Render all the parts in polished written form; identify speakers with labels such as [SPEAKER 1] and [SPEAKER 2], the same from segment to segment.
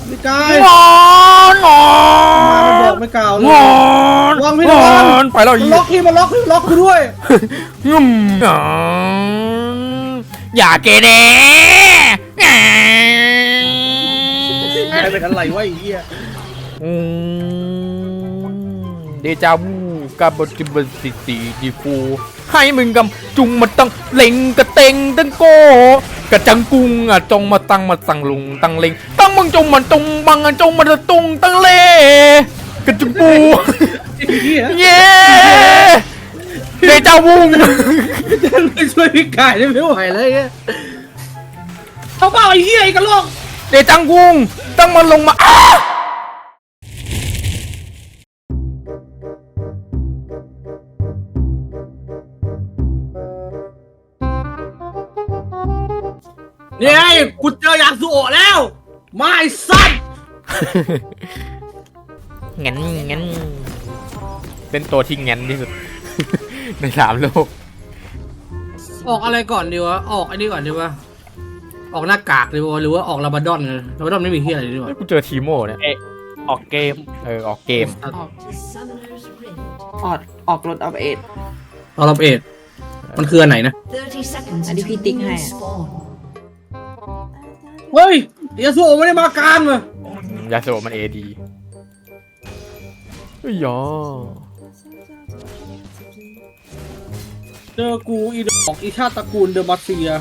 [SPEAKER 1] ไม่กล้าง
[SPEAKER 2] อนงอ
[SPEAKER 1] มันบอกไม่กล่าวเลย
[SPEAKER 2] งอน
[SPEAKER 1] วางพี่ระวัง
[SPEAKER 2] ไปแล้ว
[SPEAKER 1] มันล็อกพี่มันล็อกกูด้วย
[SPEAKER 2] อย่าเกเร
[SPEAKER 1] ใครเป็นอะไรวะไอ้เหี้ย
[SPEAKER 2] เดจาวูกับบจิบสิตีดีฟูให้มึงกำจุงมาตั้งเล็งกระเต็งตั้งโกกระจังกุงอ่ะจงมาตั้งมาสั่งลุงตั้งเล็งตั้งมึงจงมันจงบังอ่ะจงมาตุงตั้งเล่กระจุงปู
[SPEAKER 1] ไอ้เหี้ย
[SPEAKER 2] เย้เดจาวู
[SPEAKER 1] ไม่ช่วยพี่กายได้ไม่ไหวเลยเนี่ยเขาเปล่าไอ้เหี้ยไอ้กระโหลก
[SPEAKER 2] เดจังกุงตั้งมันลงมา
[SPEAKER 1] เนี่ยกูเจอยาสุโอะแล้วไม่สั้น
[SPEAKER 2] งั้นเป็นตัวที่งั้นที่สุด ใน3 โลก
[SPEAKER 1] ออกอะไรก่อนดีวะออกอันนี้ก่อนดีวะออกหน้ากากดีวะหรือว่าออกลาบาดอนเลยลาบาดอนไม่มีเหี้ยอะไรดีวะ
[SPEAKER 2] กูเจอทีโม่เนี่ย
[SPEAKER 3] ออกเกม
[SPEAKER 2] ออกเกม
[SPEAKER 4] ออกรถออฟเอ็ด
[SPEAKER 1] ออกลาบาดมันคืออันไหนนะ
[SPEAKER 4] อันนี้พี่ติ๊กให้อะ
[SPEAKER 1] เฮ้ยยาสุโอะไม่ได้มากลางเลย
[SPEAKER 2] ยาโซมันADเฮ้ยยอ
[SPEAKER 1] เจอกูอีดอกอีชาติตระกูลเดอะมาเซีย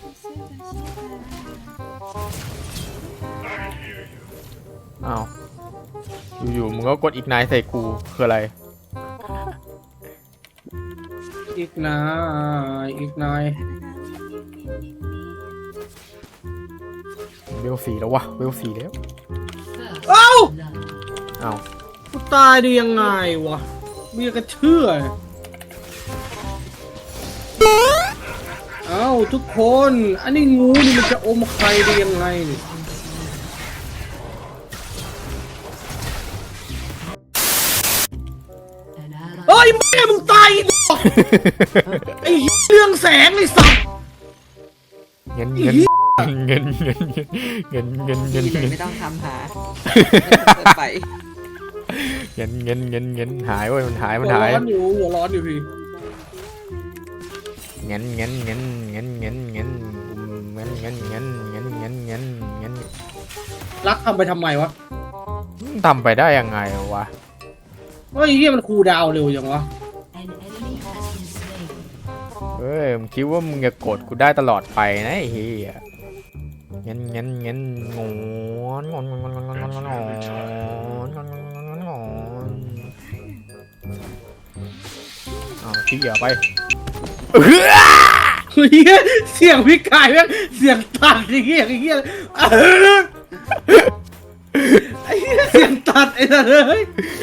[SPEAKER 2] อ้าวอยู่ๆมึงก็กดอีกนายใส่กูคืออะไร
[SPEAKER 1] อีกนาย
[SPEAKER 2] เวล4แล้ววะเวล4แล้ว
[SPEAKER 1] เอ้า
[SPEAKER 2] อ้าว
[SPEAKER 1] กูตายได้ยังไงวะมีกระเชื่อเอ้าทุกคนอันนี้งูนี่มันจะอมใครได้ยังไงนี่เฮ้ยแม่มึงตายอีดอกไอ้เรื่องแสงไอ้สัตว์
[SPEAKER 2] เงิน
[SPEAKER 4] ไม่ต้องทำหาไป
[SPEAKER 2] เงินหายเว้ยมันหาย
[SPEAKER 1] หัวร้อนอยู่พี่
[SPEAKER 2] เงิน
[SPEAKER 1] รักทำไปทำไมวะ
[SPEAKER 2] ทำไปได้ยังไงวะ
[SPEAKER 1] เฮ้ยเฮียมันคูลดาวน์เร็วจังวะ
[SPEAKER 2] เอ้ยมึงคิดว่ามึงจะโกรธกูได้ตลอดไปนะไอ้เหี้ยเงินงอนเอาที่เหยื่อไป
[SPEAKER 1] เฮ้ยเสียงพี่กายแม่งเสียงตัดไอ้เหี้ยไอ้เหี้ยไอ้เหี้ยเสียงตัดไอ้สัสเลย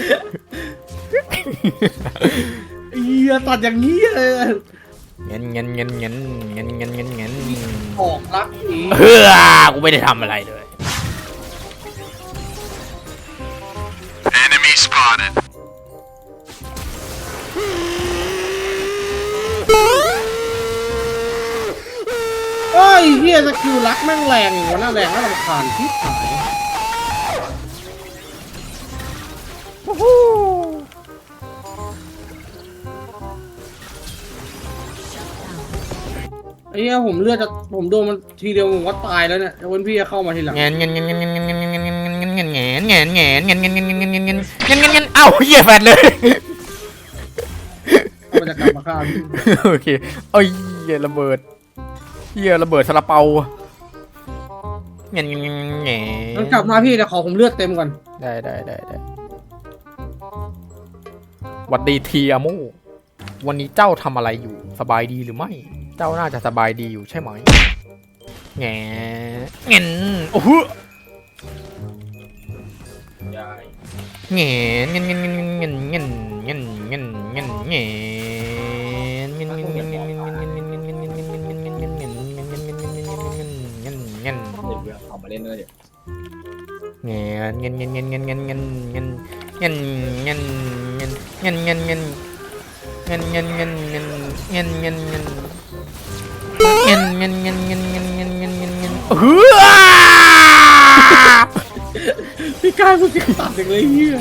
[SPEAKER 1] ไอ้เหี้ยตัดอย่างนี้เลย
[SPEAKER 2] เงิน
[SPEAKER 1] ออกรักอีก
[SPEAKER 2] กูไม่ได้ทำอะไรเลย
[SPEAKER 5] Enemy spotted.
[SPEAKER 1] เฮ้ยเหี้ยสกิลรักแม่งแรงอย่างวะน่าแรงน่ารำคาญที่หายไอ้เหี้ยผมเลือดจะผมโดนมันทีเดียวผมก็ตายแล้วเนี่ยแล้ววันพี่จะเข้ามาทีหลัง
[SPEAKER 2] เอ้าเหี้ยแฟนเลย
[SPEAKER 1] มันจะกลับมาฆ่าพี่
[SPEAKER 2] โอเคเอ้ยเหี้ยระเบิดซาลาเปาเงี้ย
[SPEAKER 1] มันกลับมาพี่แต่ขอผมเลือดเต็มก่อน
[SPEAKER 2] ได้หวัดดีทีอามูวันนี้เจ้าทำอะไรอยู่สบายดีหรือไม่เจ้าน่าจะสบายดีอยู่ใช่ไหมแง่เงินโอ้โหแง่เงิน
[SPEAKER 3] ออกมาเล่นด้วยเดี๋ยว
[SPEAKER 2] เงิน
[SPEAKER 1] พี่กายกูเก่งตัดอย่างเลยเฮีย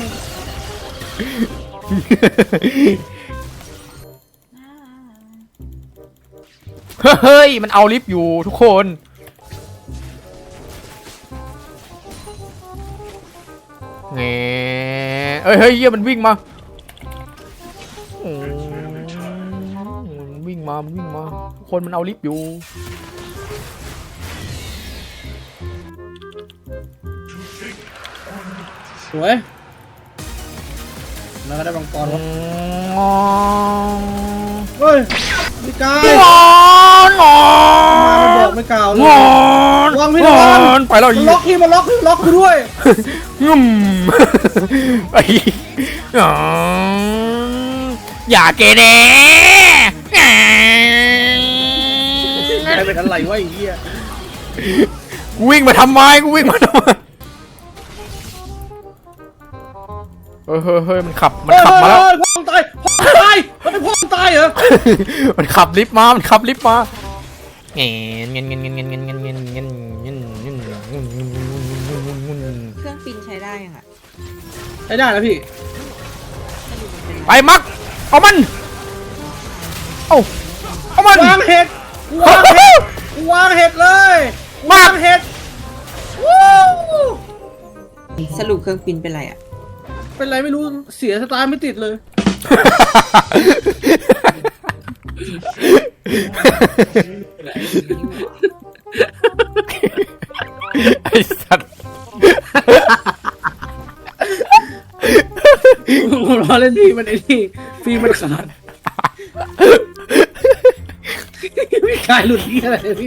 [SPEAKER 2] เฮ้ยมันเอาลิฟต์อยู่ทุกคนเงี้ยเฮ้ยเฮียมันวิ่งมามันวิ่งมาทุกคนมันเอาลิฟต์อยู่
[SPEAKER 1] สวยแล้วก็ได้บังกรวะเฮ้ยพี่กาย
[SPEAKER 2] งอนงอ
[SPEAKER 1] มามันบอกไม่กล่าวเลยระวังพี่ระวัง
[SPEAKER 2] ไปแล้ว
[SPEAKER 1] มันล็อกพี่มันล็อกกูด้วย
[SPEAKER 2] งุ่มไอ้อย่าเกเร
[SPEAKER 1] กลายเป็นอะไรวะไอ้เหี้ย
[SPEAKER 2] กูวิ่งมาทำไมเฮ้ยมันขับมาแล้ว
[SPEAKER 1] พ่อตายมันเป็นพ่อตายเหรอ
[SPEAKER 2] มันขับลิฟต์มาเงี้ย
[SPEAKER 4] เครื่องปินใช้ได้ยังอ่ะ
[SPEAKER 1] ใช้ได้แล้วพี่
[SPEAKER 4] สรุปมันเป็น
[SPEAKER 2] ไปมักเอามันเอามัน
[SPEAKER 1] วางเห็ดวางเห็ดเลยวางเห็ดวู้
[SPEAKER 4] สรุปเครื่องปินเป็นไรอ่ะ
[SPEAKER 1] เป็นไรไม่รู้เสียสตาร์ทไม่ติดเลย
[SPEAKER 2] ไอ้สัตว์
[SPEAKER 1] ผมรอเล่นพี่มันไอ้นี่พี่มันขาดพี่กายหลุดที่อะไรพี่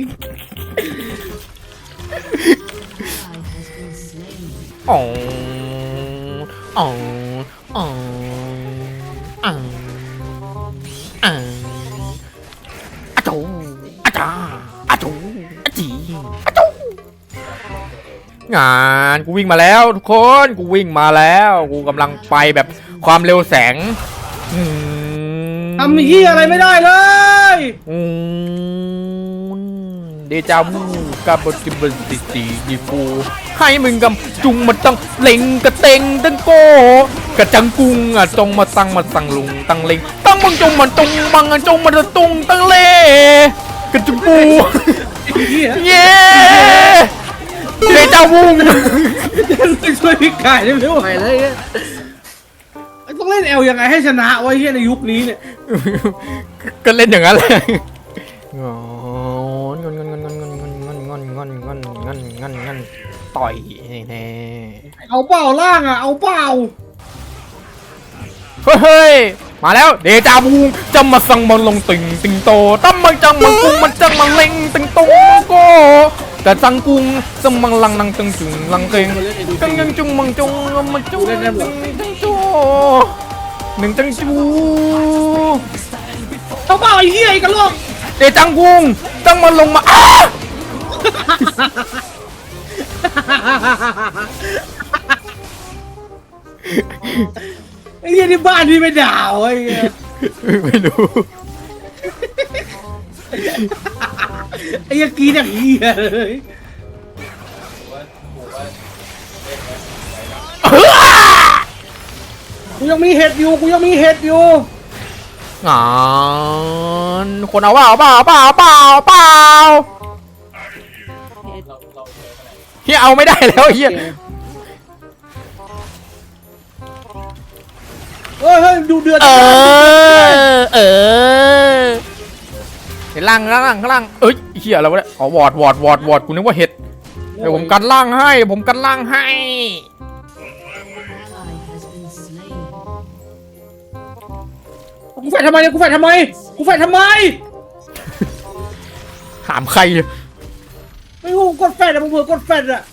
[SPEAKER 2] อ๋ออ๋ออ๋ออ่าอ่าอาจูอาจาอาจูอาจีอาจูงานกูวิ่งมาแล้วทุกคนกูวิ่งมาแล้วกูกำลังไปแบบความเร็วแสง
[SPEAKER 1] ทำเหี้ยอะไรไม่ได้เลย
[SPEAKER 2] เดจาวูกับบจิบสิตีดีฟูให้มึงกำจุงมาตั้งเล็งกระเตงตั้งโกกระจังกุงอ่ะจงมาตั้งลุงตั้งเล็งตั้งมึงจงมันจงมังจงมาตุงตั้งเล่กระจุงปูเย้เดจาวู
[SPEAKER 1] ช่วยพี่กายได้ไม่ไหวเลยต้องเล่นเอลยังไงให้ชนะไว้เหี้ยในยุคนี้เนี่ย
[SPEAKER 2] ก็เล่นอย่างนั้นเลยต่อยแน่
[SPEAKER 1] เอาเปล่าล่างอ่ะเอาเปล่า
[SPEAKER 2] เฮ้ยมาแล้วเดจาวูจะมาสั่งมันลงติงโตตั้มมันจังมันกุ้งมันจังมันเล็งติงโตโกแต่จังกุ้งจังมังลังนังตึงจุงลังเกงกังยังจุงมังจุงมันจุงจังโจหนึ่งจังจู
[SPEAKER 1] เอาเปล่าไอ้เหี้ยไอ้กระโหลก
[SPEAKER 2] เดจังกุ้งจังมันลงมาอ้า
[SPEAKER 1] ไอ้เหี้ยที่บ้านที่ไม่ด่าวไอ้เหี้ย
[SPEAKER 2] ไม่รู้
[SPEAKER 1] ไอ้เหี้ยกีอย่างเหี้ยเลยกูยังมีเห็ดอยู่
[SPEAKER 2] งานคนเอาเปล่าเฮียเอาไม่ได้แล้วเฮีย
[SPEAKER 1] เฮ้ยดูเดือด
[SPEAKER 2] เห็นล่างเอ้ยเฮียอะไรวะเนี่ยอ๋อวอดกูนึกว่าเห็ดเดี๋ยวผมกันล่างให้
[SPEAKER 1] กูแฝดทำไม
[SPEAKER 2] ถามใคร
[SPEAKER 1] ไม่รู้กดแฟดอะมึงเผื่อกดแฟดอะ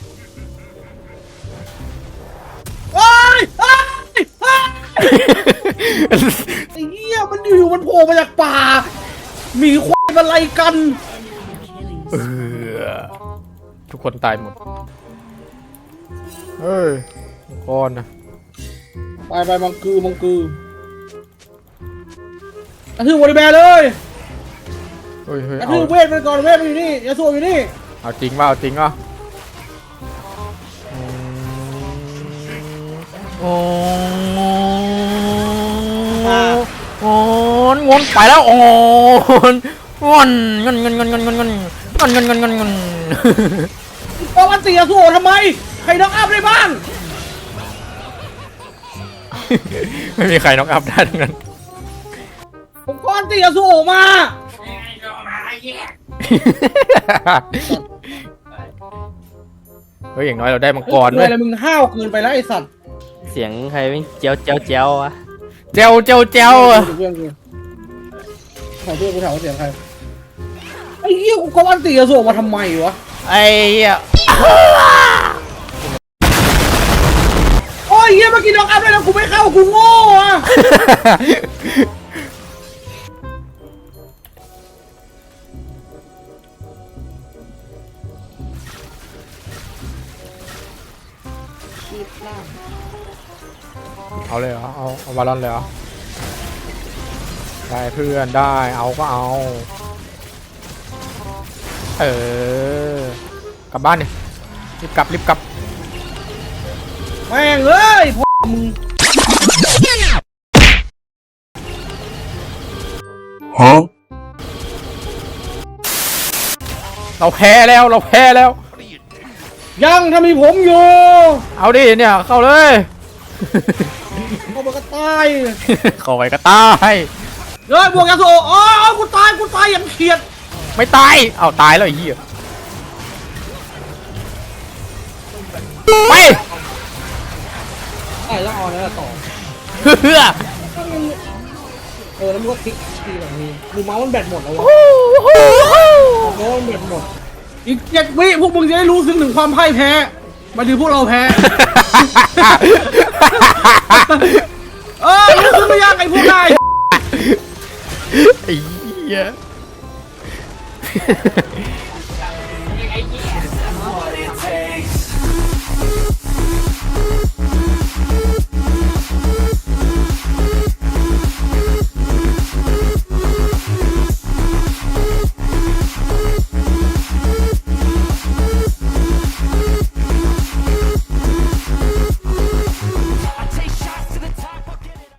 [SPEAKER 1] ไอ้เหี้ยมันอยู่มันโผล่มาจากป่าหมีควายมาไล่กัน
[SPEAKER 2] ทุกคนตายหมดเฮ้ยก้อนนะ
[SPEAKER 1] ไปมังกือกระทืบบริแบร์เลย
[SPEAKER 2] เฮ้ย
[SPEAKER 1] กระทืบเวทไปก่อนเวทมันอยู่นี่ยาสูบอยู่นี่
[SPEAKER 2] เอาจริงว่าโอ้โอ้งอนไปแล้วโอ้งอนงอนงอนงอนงอนงอนงอนงอนงอนงอนงอน
[SPEAKER 1] ปกติอะสู้ทำไมใครน็อกอัพได้บ้าง
[SPEAKER 2] ไม่มีใครน็อกอัพได้ทั้งนั้น
[SPEAKER 1] ผมก้อนตีอะสู้มา
[SPEAKER 2] เฮ้ยอย่างน้อยเราได้มังกร
[SPEAKER 1] เล
[SPEAKER 2] ด้วย ย
[SPEAKER 1] อะไรมึงห้าวเกินไปแล้วไอสัตว์
[SPEAKER 3] เสียงใครวิ่งเจียวเจียวเจียววะ
[SPEAKER 2] เจ้าเจ้าเจ้าอะ
[SPEAKER 1] เพื่อนกูขอเพื่อนกูถามว่าเสียงใครไอ้เหี้ยกูก้อนตีอะสู้มาทำไมวะ
[SPEAKER 2] ไอ้เหี้ย
[SPEAKER 1] โอ้ยเหี้ยเมื่อกี้น็อกอัพได้แล้วกูไม่เข้ากูโง่อะ
[SPEAKER 4] ชีพล่าง
[SPEAKER 2] เอาเลยเหรอเอาบอลลอนเลยเหรอได้เพื่อนได้เอาก็เอากลับบ้านดิรีบกลับรีบกลับ
[SPEAKER 1] แม่งเอ้ยพ่อมึง
[SPEAKER 5] Huh?
[SPEAKER 2] เราแพ้แล้วเราแพ้แล้ว
[SPEAKER 1] ยังถ้ามีผมอยู่
[SPEAKER 2] เอาดิเนี่ยเข้าเลย
[SPEAKER 1] เขาบอกก็ตาย
[SPEAKER 2] เข้าไปก็ตาย
[SPEAKER 1] เฮ้ยบวกยาสูบอ๋อกูตายอย่างเขียด
[SPEAKER 2] ไม่ตายเอาตายแล้วไอ้เหี้ยไป
[SPEAKER 1] ตายแล้วเอาแล้วต่อ
[SPEAKER 2] เฮือ
[SPEAKER 1] แล้วมึงก็คลิกทีแบบนี้ดูเมาส์มันแบตหมดแล้ววะเมาส์มันแบตหมดอีก7 วิพวกมึงจะได้รู้ซึ้งถึงความพ่ายแพ้มาดูพวกเราแพ้ รู้ซึ้งไม่ยากไอ้พวกนาย
[SPEAKER 2] ไอ้เหี้ย